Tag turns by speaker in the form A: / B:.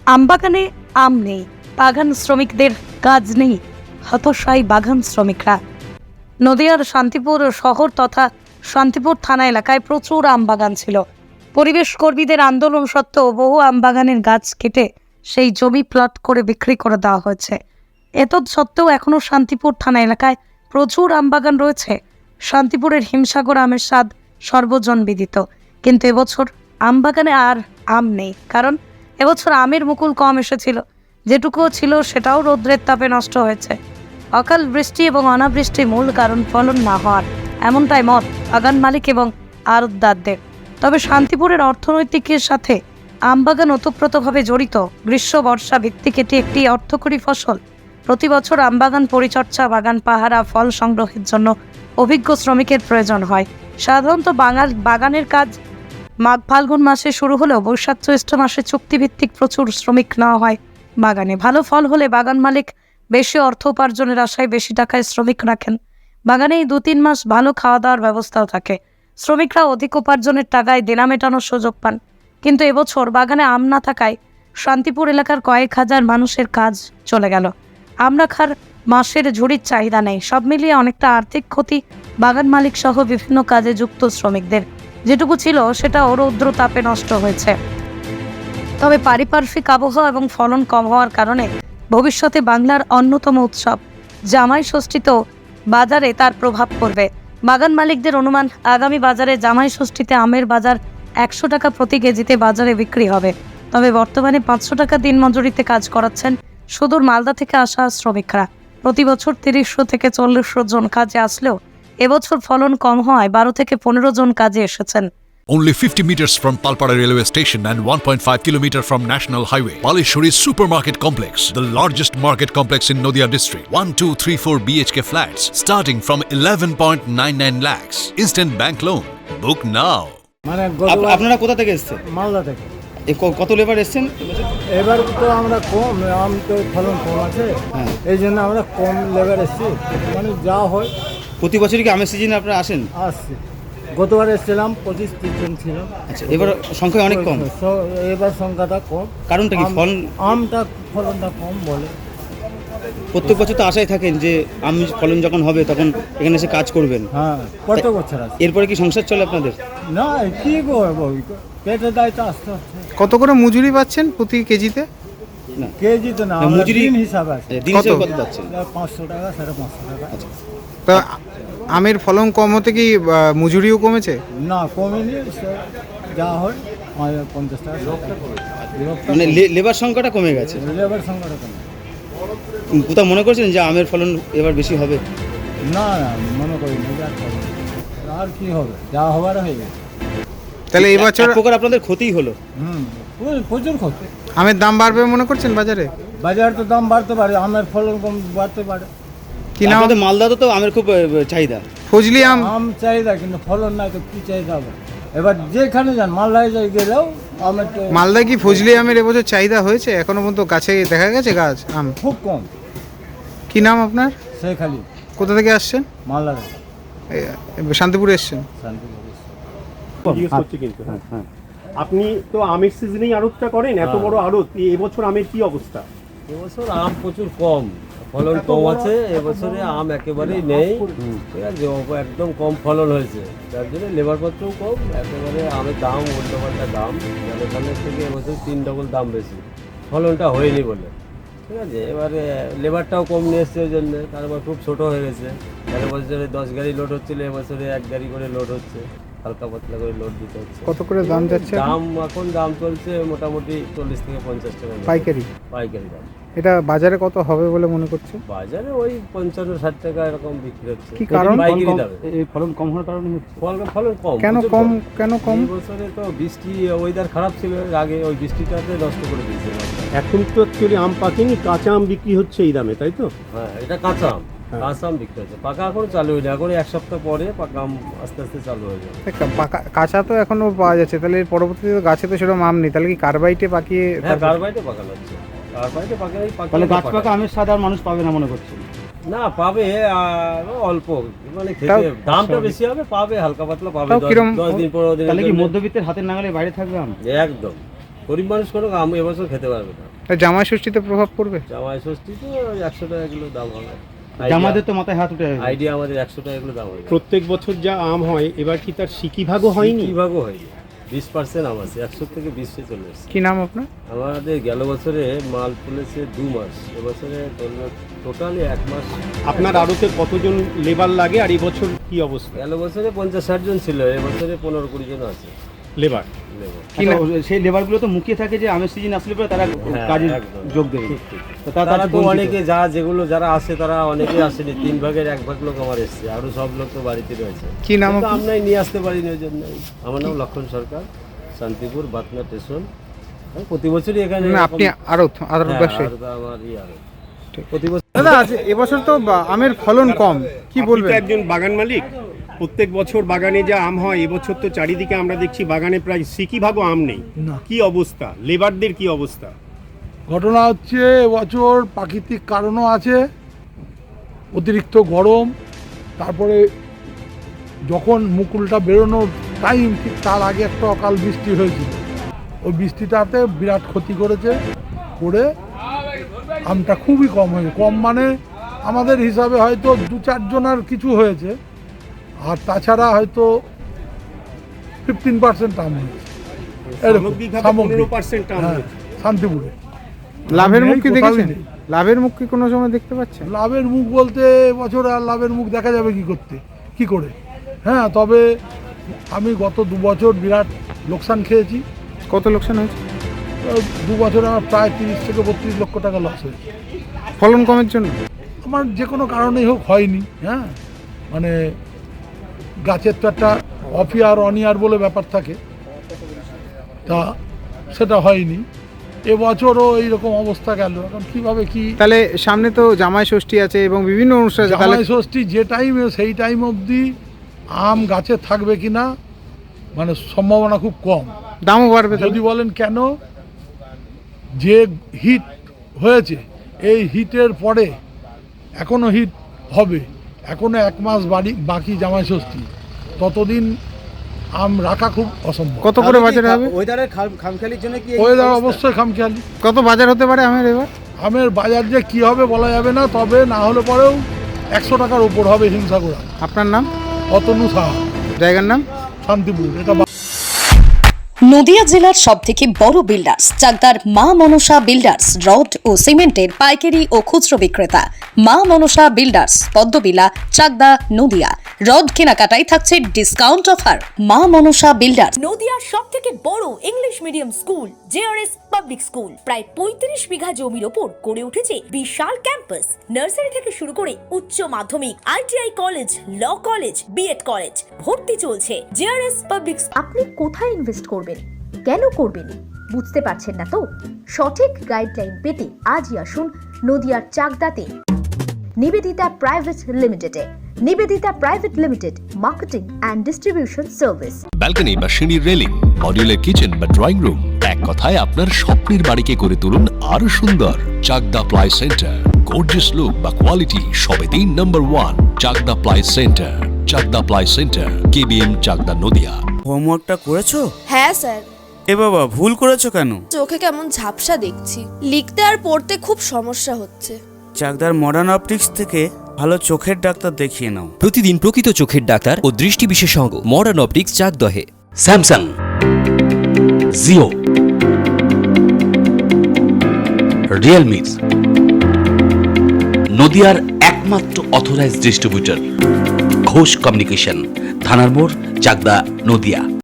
A: আমবাগানে আম নেই, বাগান শ্রমিকদের কাজ নেই, হতাশায় বাগান শ্রমিকরা। নদিয়ার শান্তিপুর শহর তথা শান্তিপুর থানা এলাকায় প্রচুর আম বাগান ছিল। পরিবেশ কর্মীদের আন্দোলন সত্ত্বেও বহু আম বাগানের গাছ কেটে সেই জমি প্লট করে বিক্রি করে দেওয়া হয়েছে। এতদ সত্ত্বেও এখনও শান্তিপুর থানা এলাকায় প্রচুর আম বাগান রয়েছে। শান্তিপুরের হিমসাগর আমের স্বাদ সর্বজন বিদিত, কিন্তু এবছর আম বাগানে আর আম নেই। কারণ এবছর আমের মুকুল কম এসেছিল, যেটুকুও ছিল সেটাও রৌদ্রের তাপে নষ্ট হয়েছে। অকাল বৃষ্টি এবং অনাবৃষ্টি মূল কারণ ফলন না হওয়ার, এমনটাই মত বাগান মালিক এবং আড়তদারদের। তবে শান্তিপুরের অর্থনৈতিকের সাথে আমবাগান ওতপ্রোতভাবে জড়িত। গ্রীষ্ম বর্ষা ভিত্তিক এটি একটি অর্থকরী ফসল। প্রতি বছর আমবাগান পরিচর্যা, বাগান পাহারা, ফল সংগ্রহের জন্য অভিজ্ঞ শ্রমিকের প্রয়োজন হয়। সাধারণত বাগানের কাজ মাঘ ফাল্গুন মাসে শুরু হলেও বৈশাখ জ্যৈষ্ঠ মাসে চুক্তিভিত্তিক প্রচুর শ্রমিক নেওয়া হয় বাগানে। ভালো ফল হলে বাগান মালিক বেশি অর্থ উপার্জনের আশায় বেশি টাকায় শ্রমিক রাখেন। বাগানে এই 2-3 মাস ভালো খাওয়া দাওয়ার ব্যবস্থাও থাকে। শ্রমিকরা অধিক উপার্জনের টাকায় দেনা মেটানোর সুযোগ পান। কিন্তু এবছর বাগানে আম না থাকায় শান্তিপুর এলাকার কয়েক হাজার মানুষের কাজ চলে গেল। আম রাখার মাসের ঝুড়ির চাহিদা নেই। সব মিলিয়ে অনেকটা আর্থিক ক্ষতি বাগান মালিক সহ বিভিন্ন কাজে যুক্ত শ্রমিকদের। যেটুকু ছিল সেটাও রৌদ্র তাপে নষ্ট হয়েছে। তবে পারিপার্শ্বিক আবহাওয়া এবং ফলন কম হওয়ার কারণে ভবিষ্যতে বাংলার অন্যতম উৎসব জামাই ষষ্ঠীতেও বাজারে তার প্রভাব পড়বে। বাগান মালিকদের অনুমান, আগামী বাজারে জামাই ষষ্ঠীতে আমের বাজার 100 টাকা প্রতি কেজিতে বাজারে বিক্রি হবে। তবে বর্তমানে 500 টাকা দিনমজুরিতে কাজ করাচ্ছেন সুদূর মালদা থেকে আসা শ্রমিকরা। প্রতি বছর 30 থেকে 40 জন কাজে আসলেও এবছর ফলন কম হওয়ায় 12 থেকে 15 জন কাজে এসেছেন।
B: Only 50 meters from Palpara railway station and 1.5 kilometer from National Highway. Palishuri Supermarket Complex, the largest market complex in Noida district. 1, 2, 3, 4 BHK flats starting from 11.99 lakhs. Instant bank loan. Book now.
C: আপনারা কোথা থেকে এসেছেন?
D: মালদা থেকে।
C: কত labour এসেছেন?
D: এবার তো আমরা কম, আম তো ফলন কম আছে, এই জন্য আমরা কম লেবার এসেছি। মানে যা হয়
C: প্রতি বছরই কি আমের সিজনে আপনারা আসেন?
D: আসছি। গতবার এসেছিলাম 25-30 জন ছিল।
C: আচ্ছা, এবার সংখ্যা অনেক কম।
D: এবার সংখ্যাটা কম।
C: কারণটা কি?
D: আমটা ফলনটা কম বলে।
C: প্রত্যেক বছর তো আশায় থাকেন যে আম ফলন যখন হবে তখন এখানে এসে কাজ করবেন।
D: হ্যাঁ, প্রত্যেক বছর আছে।
C: এরপরে কি সংসার চলে আপনাদের?
D: না, কি করবো, পেটের দায়িত্ব আস্তে আস্তে।
E: কত করে মজুরি পাচ্ছেন প্রতি কেজিতে?
C: না,
D: কেজিতে না,
C: মজুরি
D: দিন হিসাবে আছে।
C: দিন হিসেবে কত পাচ্ছেন?
D: 500 টাকা, 550 টাকা।
C: আচ্ছা,
E: তা আমের ফলন কম হতে কি মজুরিও কমেছে?
D: না, কমেনি, যা হয় 50 টাকা।
C: মানে লেবার সংখ্যাটা কমে গেছে।
D: লেবার সংখ্যাটা কমে।
C: কোথাও মনে করছেন যে আমের ফলন এবার বেশি হবে?
D: না না, মনে করি না, আর কি হবে, যা হবার হয়ে গেছে।
E: তাহলে এই বছর
C: এক প্রকার আপনাদের ক্ষতিই হলো।
D: প্রচুর ক্ষতি।
E: আমের দাম বাড়বে মনে করছেন বাজারে?
D: বাজার তো দাম বাড়তে পারে, আমের ফলন কম বাড়তে পারে।
E: কি নাম?
C: আপনাদের মালদাতে তো আমের খুব চাহিদা।
E: ফজলি আম
D: চাহিদা, কিন্তু ফলন নাই তো কি চাহিদা হবে? এবার যেখানে যান, মালদায় যাই গেলেও আমের তো।
E: মালদায় কি ফজলি আমের এবছর চাহিদা হয়েছে? এখনো পর্যন্ত গাছে দেখা গেছে গাছ আম?
D: খুব কম।
E: কি নাম আপনার?
D: সেই খালি।
E: কোথা থেকে আসছেন?
D: মালদা
E: শান্তিপুরে এসছেন?
F: আপনি তো আমের সিজনেই আড়তটা করেন, এত বড় আড়ত, এবছর আমের কি অবস্থা?
G: এবছর আম প্রচুর কম, ফলন কম আছে। এবছরে আম একেবারেই নেই, ঠিক আছে, একদম কম ফলন হয়েছে, যার জন্য লেবারপত্রও কম। একেবারে আমের দাম উল্টোপাল্টা দাম, ধানের থেকে এবছর 3 ডবল দাম বেশি, ফলনটা হয়নি বলে, ঠিক আছে। এবারে লেবারটাও কম নিয়ে এসছে, ওই জন্যে তারপর খুব ছোটো হয়ে গেছে। গেলে বছরে 10 গাড়ি লোড হচ্ছিলো, এবছরে 1 গাড়ি করে লোড হচ্ছে, হালকা পাতলা করে লোড দিতে হচ্ছে।
E: কত করে দাম যাচ্ছে?
G: এখন দাম চলছে মোটামুটি 40 থেকে 50 টাকা
E: পাইকারি
G: দাম।
E: এটা বাজারে কত হবে বলে মনে করছে?
G: বাজারে ওই 55-60 টাকা এরকম বিক্রি হচ্ছে।
E: কি কারণ?
C: এই ফলন কম হওয়ার কারণে
G: ফলন কম।
E: কেন কম?
G: এই বছরে তো বৃষ্টি, ওয়েদার খারাপ ছিল আগে, ওই বৃষ্টিটাতে নষ্ট করে দিয়েছে।
F: এখন তো অ্যাকচুয়ালি আম পাকেনি, কাঁচা আম বিক্রি হচ্ছে এই দামে, তাই তো?
G: হ্যাঁ, এটা কাঁচা আম। কাঁচা আম বিক্রি হচ্ছে, পাকা এখনো চালু হয়নি। এখন 1 সপ্তাহ পরে পাকা আম আস্তে আস্তে চালু হয়ে যাবে।
E: কাঁচা তো এখনো পাওয়া যাচ্ছে, তাহলে এর পরবর্তীতে গাছে তো সেরকম আম নেই, তাহলে কি কার্বাইটে পাকিয়ে?
G: হ্যাঁ, কার্বাইটে পাকানো হচ্ছে, কার্বাইটে পাকানোই
C: তাহলে গাছ পাকা আমের স্বাদ আর মানুষ পাবে না মনে করছেন?
G: না, পাবে অল্প, মানে খেতে দামটা বেশি হবে, পাবে হালকা পাতলা পাবে। 10 দিন 15 দিন।
C: তাহলে কি মধ্যবিত্তের হাতের নাগালে বাইরে থাকবে আম?
G: একদম গরিব মানুষ কোনো আম এবছর খেতে পারবে না।
E: তাই জামাই ষষ্ঠীতে প্রভাব পড়বে?
G: জামাই ষষ্ঠী তো 100 টাকা কিলো দাম হবে।
C: আমাদের তো মাথায় হাত উঠে
G: আইডিয়া আমাদের 100 টাকা কিলো দাম হবে।
F: প্রত্যেক বছর যা আম হয় এবার কি তার সিকি ভাগও হয়নি?
G: কি ভাগও হয়নি, 20% আম আছে, 100 থেকে 20-এ চলে এসেছে।
E: কি নাম আপনার?
G: আমাদের গেল বছরে মাল তুলেছে 2 মাস, এবছরে টোটালি 1 মাস।
F: আপনার আড়তে কতজন লেবার লাগে আর এবছর কি অবস্থা?
G: গেল বছরে 50-60 জন ছিল, এবছরে 15-20 জন আছে
F: লেবার
G: লেবার।
C: সেই লেবারগুলো তো মুখিয়ে থাকে যে আমের সিজন আসলে পরে তারা কাজে
G: একদম।
C: যোগ দেবে।
G: ঠিক, ঠিক।
C: তো তারা
G: তারা তো
C: বঞ্চিত।
G: অনেকে যারা আসে তারা অনেকেই আসেনি, 3 ভাগের 1 ভাগ লোক আমার এসছে, আরো সব লোক তো বাড়িতে রয়েছে।
E: কি নাম
G: কিন্তু
E: আপনার?
G: আমরাই নিয়ে আসতে পারিনি ওই জন্য। আমার নাম লক্ষণ সরকার, শান্তিপুর বাতনা স্টেশন। আমি প্রতি বছরই এখানে
E: না, আপনি আড়ত ব্যবসায়ী।
G: আমার প্রতি বছর
E: দাদা এবছর তো আমের ফলন কম, কি
F: আপনি
E: বলবেন?
F: তো একজন বাগান মালিক, প্রত্যেক বছর বাগানে যা আম হয় এবছর তো চারিদিকে আমরা দেখছি বাগানে প্রায় সিকি ভাগও আম নেই। কি অবস্থা, লেবারদের কি অবস্থা?
H: ঘটনা হচ্ছে এবছর প্রাকৃতিক কারণও আছে, অতিরিক্ত গরম, তারপরে যখন মুকুলটা বেরোনোর টাইম ঠিক তার আগে একটা অকাল বৃষ্টি হয়েছিল, ওই বৃষ্টিটাতে বিরাট ক্ষতি করেছে, করে আমটা খুবই কম হয়েছে। কম মানে আমাদের হিসাবে হয়তো 2-4 জনের কিছু হয়েছে, আর তাছাড়া হয়তো 15% আম হয়েছে এরকম
F: সামগ্রিকভাবে
H: সামগ্রিক।
F: 15% আম
H: হ্যাঁ,
F: হয়েছে।
H: শান্তিপুরে
E: লাভের মুখ কি
H: কোথাও
E: দেখেছেন?
H: নেই।
E: লাভের মুখ কি কোনো সময় দেখতে পাচ্ছেন?
H: লাভের মুখ বলতে বছর আর লাভের মুখ দেখা যাবে কি করে? হ্যাঁ, তবে আমি গত 2 বছর বিরাট লোকসান খেয়েছি।
E: কত লোকসান হয়েছে?
H: 2 বছরে আমার প্রায় 30 থেকে 32 লক্ষ টাকা লস হয়েছে।
E: ফলন কমের জন্য?
H: আমার যে কোনো কারণেই হোক হয়নি। হ্যাঁ, মানে গাছের তো একটা অফ ইয়ার অন ইয়ার বলে ব্যাপার থাকে, তা সেটা হয়নি। এবছরও এইরকম অবস্থা গেল, এখন কিভাবে কি।
E: তাহলে সামনে তো জামাই ষষ্ঠী আছে এবং বিভিন্ন অনুষ্ঠান আছে, তাহলে
H: জামাই ষষ্ঠী যে টাইমে সেই টাইম অবধি আম গাছে থাকবে কিনা মানে সম্ভাবনা খুব কম।
E: দামও বাড়বে
H: যদি বলেন কেন, যে হিট হয়েছে এই হিটের পরে এখনো হিট হবে, এখনো 1 মাস বাকি জামাই ষষ্ঠী, ততদিন আম রাখা খুব অসম্ভব।
E: কত করে বাজারে হবে?
C: ওয়েদারের খামখেয়ালির জন্য কি
H: ওয়েদার অবশ্যই খামখেয়ালি।
E: কত বাজার হতে পারে আমের এবার?
H: আমের বাজার যে কি হবে বলা যাবে না, তবে না হলে পরেও 100 টাকার উপর হবে হিমসাগর।
E: আপনার নাম?
H: অতনু সাহা,
E: জায়গার নাম?
H: শান্তিপুর। এটা
A: নদিয়া জেলার সবথেকে বড় বিল্ডার্স চাকদার মা মনসা বিল্ডার্স, রড ও সিমেন্টের পাইকারি ও খুচরো বিক্রেতা। মা মনসা বিল্ডার্স, পদ্মবিলা, চাকদা, নদিয়া। রড কেনাকাটায় থাকছে ডিসকাউন্ট অফার। মা মনসা বিল্ডার্স।
I: নদিয়ার সব থেকে বড় English medium school JRS public school, প্রায় 35 বিঘা জমির ওপর গড়ে উঠেছে বিশাল ক্যাম্পাস। নার্সারি থেকে শুরু করে উচ্চ মাধ্যমিক, ITI college, law college, BEd college, ভর্তি চলছে। JRS public.
J: আপনি কোথায় ইনভেস্ট করবেন, কেন করবেন বুঝতে পারছেন না তো? সঠিক গাইডলাইন পেতে আজই আসুন নদিয়ার চাকদাতে নিবেদিতা প্রাইভেট লিমিটেডে। Nivedita private limited, marketing and distribution service.
B: Balcony বা সিঁড়ির রেলিং, মডিউলার কিচেন বা ড্রয়িং রুম, এক কথায় আপনার স্বপ্নের বাড়িকে করে তুলুন আরো সুন্দর। Chakdah ply centre, gorgeous look বা কোয়ালিটি সবে 3 number 1 Chakdah ply centre. Chakdah ply centre, KBM, Chakdah, Nadia.
K: হোমওয়ার্কটা করেছো?
L: হ্যাঁ স্যার।
K: এ বাবা, ভুল করেছো কেন?
L: চোখে কেমন ঝাপসা দেখছি, লিখতে আর পড়তে খুব সমস্যা হচ্ছে।
K: চাকদার মডার্ন অপটিক্স থেকে ভালো চোখের ডাক্তার দেখিয়ে নাও।
M: প্রতিদিন প্রকৃত চোখের ডাক্তার ও দৃষ্টি বিশেষজ্ঞ মডার্ন অপটিক্স চাকদহে।
N: স্যামসাং, জিও, রিয়েলমি, নদিয়ার একমাত্র অথরাইজড ডিস্ট্রিবিউটর ঘোষ কমিউনিকেশন, থানার মোড়, চাকদা, নদিয়া।